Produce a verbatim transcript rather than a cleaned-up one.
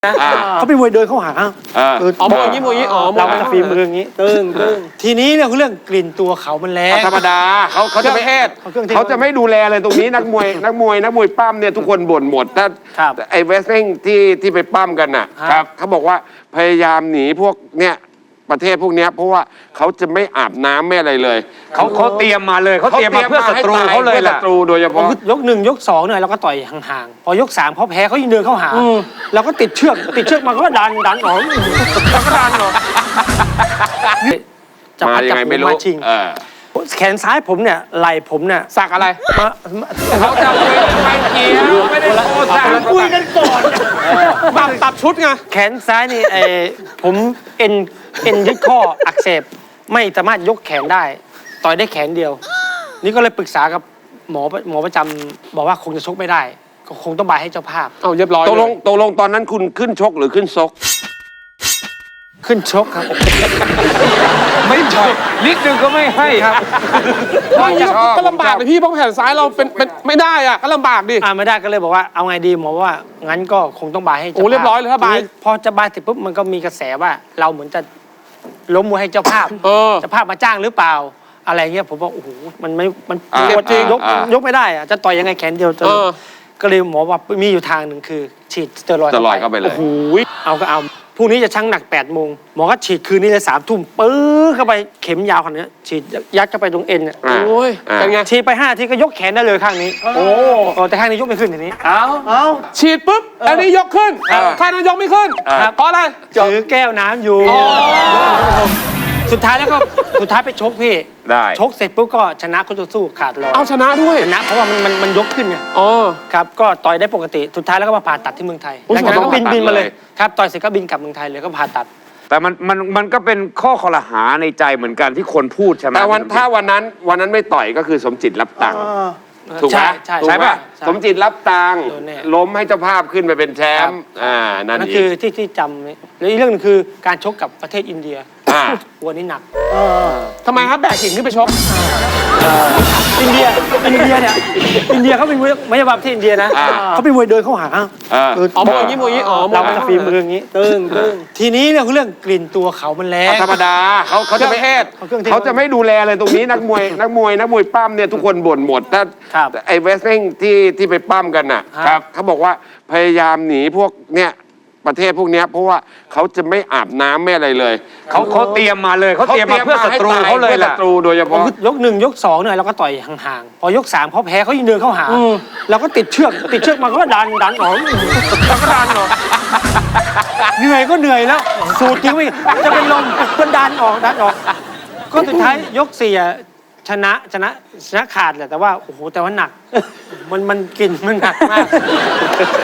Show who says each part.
Speaker 1: นะ
Speaker 2: เขาเป็นมวยเดินเข้าหา
Speaker 1: อ๋อมวยอย่างนี้มวยอย่างนี้อ๋อ
Speaker 2: เราจะฝีมืออย่างนี้ตึ้งตึ้งทีนี้เรื่องเรื่องกลิ่นตัวเขามันแรง
Speaker 3: ธรรมดาเขาเขาจะไม่เขาจะไม่ดูแลเลยตรงนี้นักมวยนักมวยนักมวยปั้มเนี่ยทุกคนบ่นหมดถ้าไอ้เวสเล่งที่ที่ไปปั้มกันน่ะเขาบอกว่าพยายามหนีพวกเนี่ยประเทศพวกนี้เพราะว่าเขาจะไม่อาบน้ำไม่อะไรเลย
Speaker 4: เขาเขาเตรียมมาเลยเขาเตรียมมาเพื่อศัตรูเขาเลยแหละ
Speaker 3: ศัตรูโดยเฉพาะ
Speaker 2: ยกหนึ่งยกสองเนี่ยเราก็ต่อยห่างๆพอยกสามเขาแพ้เขายิงเดินเข้าหาเราก็ติดเชือกติดเชือกมาก็ดันดันออกแล้วก็ดันออก
Speaker 3: จะพัดจับมือมาชิง
Speaker 2: แขนซ้ายผมเนี่ยไหล่ผมเนี่ย
Speaker 1: สักอะไร
Speaker 3: เขาจะคุยไปเกี่ยวไม่ได้โทษสัก
Speaker 2: คุยกันก่อน
Speaker 1: ตับตับชุดไง
Speaker 2: แขนซ้ายนี่ไอผมเอ็นเอ็นยึดข้ออักเสบไม่สามารถยกแขนได้ต่อยได้แขนเดียวนี่ก็เลยปรึกษากับหมอหมอประจำบอกว่าคงจะชกไม่ได้ก็คงต้องบายให้เจ้าภาพ
Speaker 1: เอาเรียบร้อย
Speaker 3: ตกลงตกลงตอนนั้นคุณขึ้นชกหรือขึ้นซก
Speaker 2: ขึ้นชกครับ
Speaker 4: ไม่ใช่นิดนึงก็ไม่ให้ครับ
Speaker 1: ก็ลำบากเลยพี่เพราะแขนซ้ายเราเป็นเป็นไม่ได้อ่ะก็ลำบากดิ
Speaker 2: อ่าไม่ได้ก็เลยบอกว่าเอาไงดีหมอว่างั้นก็คงต้องบายให้เจ้าภาพ
Speaker 1: โอ้เรียบร้อยเลยถ้าบาย
Speaker 2: พอจะบายเสร็จปุ๊บมันก็มีกระแสว่าเราเหมือนจะล้มมวยให้เจ้าภาพเจ้าภาพมาจ้างหรือเปล่าอะไรเงี้ยผมบอกโอ้โหมันไม่มันจริงยกยกไม่ได้อะจะต่อยยังไงแขนเดียวก็เลยหมอว่ามีอยู่ทางหนึ่งคือฉีดสเตียรอยด์
Speaker 3: เข้าไปเลย
Speaker 2: โอ้โหเอาก็เอาพรุ่งนี้จะชั่งหนักแปดโมงหมอก็ฉีดคืนนี้เลยสามทุ่มปื้อเข้าไปเข็มยาวขนาดนี้ฉีดยัดเข้าไปตรงเอ็นเนี่ย
Speaker 1: โอ้ยเป็นไง
Speaker 2: ฉีดไปห้าทีก็ยกแขนได้เลยข้างนี้โอ้แต่ข้างนี้ยกไม่ขึ้นทีนี้
Speaker 1: เอาเอาฉีดปุ๊บอันนี้ยกขึ้นข้างนั้นยกไม่ขึ้นเพราะอะไร
Speaker 2: ถือแก้วน้ำอยู่สุดท้ายแล้วก็สุดท้ายไปชกพี่
Speaker 3: ได้
Speaker 2: ชกเสร็จปุ๊บก็ชนะคู่ต่อสู้ขาดลอย
Speaker 1: เอาชนะด้วย
Speaker 2: ชนะเพราะว่ามันมันมันยกขึ้นไง
Speaker 1: อ๋อ
Speaker 2: ครับก็ต่อยได้ปกติสุดท้ายแล้วก็มาผ่าตัดที่เมืองไทยแล้วก็บินบินมาเลยครับต่อยเสร็จก็บินกลับเมืองไทยเลยก็ผ่าตัด
Speaker 4: แต่มันมันมันก็เป็นข้อคอรหาในใจเหมือนกันที่คนพูดใช่ไหม
Speaker 3: แต่วันถ้าวันนั้นวันนั้นไม่ต่อยก็คือสมจิตรับตังค์ถูกไหมใช่ป่ะสมจิตรับตังค์ล้มให้เจ้าภาพขึ้นไปเป็นแชมป์อ่านั่น
Speaker 2: คือที่ที่จำแล้วอีกเรื่องนึงคือการชกกับประเทศอินเดียวันนี้หนัก
Speaker 1: ทำไมครับแบกหินขึ้นไปชก
Speaker 2: อินเดียอินเดียเนี่ยอินเดียเขาเป็นมวยไม่ใช่ประเทศอินเดียนะเขาเป็นมวยเดินเข้าหา
Speaker 1: อ๋อมวยอย่างนี้มวยอย่างนี้อ๋อ
Speaker 2: เราจะฝีมืออย่างนี้ตึ้งตึ้งทีนี้เรื่องเรื่องกลิ่นตัวเขามันแรง
Speaker 3: ธรรมดาเขาเขาจะไม่เขาจะไม่ดูแลเลยตรงนี้นักมวยนักมวยนักมวยปั้มเนี่ยทุกคนบ่นหมดถ้าไอ้เวสเล่งที่ที่ไปปั้มกันน่ะเขาบอกว่าพยายามหนีพวกเนี่ยประเทศพวกนี้เพราะว่าเขาจะไม่อาบน้ำไม่อะไรเลย
Speaker 4: เขาเขาเตรียมมาเลยเขาเตรียมมาเพื่อศัตรูเขาเลยแหละ
Speaker 3: ศัตรูโดยเฉพาะ
Speaker 2: ยกหนึ่งยกสองเนี่ยเราก็ต่อยห่างๆพอยกสามเขาแพ้เขายิงเดินเข้าหาเราก็ติดเชือกติดเชือกมาก็ดันดันออกแล้วก็ดันออกเหนื่อยก็เหนื่อยแล้วสูดจริงไม่จะเป็นลมก็ดันออกดันออกก็สุดท้ายยกสี่ชนะชนะชนะขาดแหละแต่ว่าโอ้โหแต่ว่าหนักมันมันกินมันหนักมาก